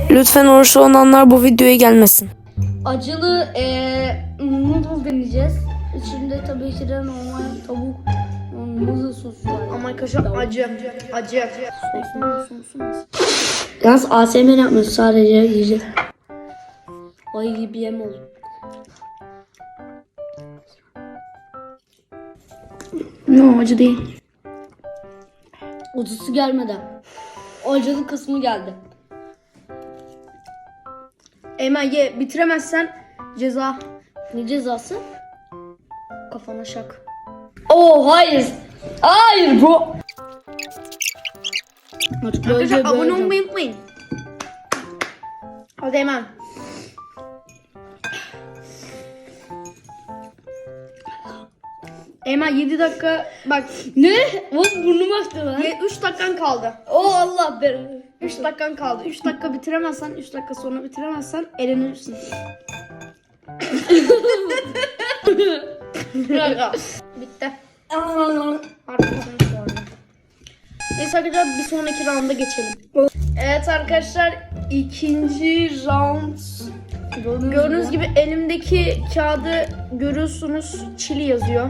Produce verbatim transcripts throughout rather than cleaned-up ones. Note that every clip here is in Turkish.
Lütfen oruçlu olanlar bu videoya gelmesin. Acılı eee noodle deneyeceğiz. İçinde tabii ki de normal tavuk noodle sosu var. Ama arkadaşlar acı. Acı. Yalnız A S M R yapmıyoruz, sadece yiyeceğiz. Ay gibi yem oldu. Yok acı değil. Acısı gelmeden. O acılı kısmı geldi. Eymen ye, bitiremezsen ceza. Ne cezası? Kafana şak. Oo hayır. Hayır bro. Artık Arkadaşlar böyle abone böyle. olmayı unutmayın. Hadi Eymen. Eymen yedi dakika bak. Ne? Bak burnum aktı lan. üç dakikan kaldı. Oo Allah be. üç dakikan kaldı. üç dakika bitiremezsen, üç dakika sonra bitiremezsen elenirsin. Bitti. Arkadaşlar sonra. Neyse arkadaşlar bir sonraki rounda geçelim. Evet arkadaşlar ikinci round. Gördüğünüz gibi elimdeki kağıdı görüyorsunuz. Çili yazıyor.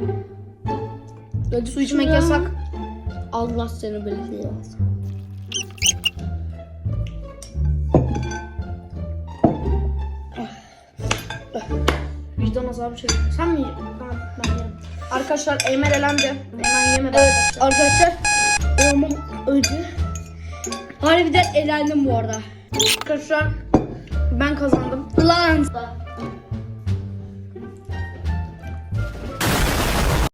Su içmek yasak. Allah seni belirtiyor. Vicdan azabı çekiyor. Sen mi yedin? Tamam ben yerim. Arkadaşlar Eymen elendi. Eymen yemedi Evet arkadaşlar. arkadaşlar. Olmam öldü. Harbiden elendim bu arada. Arkadaşlar ben kazandım. Lan.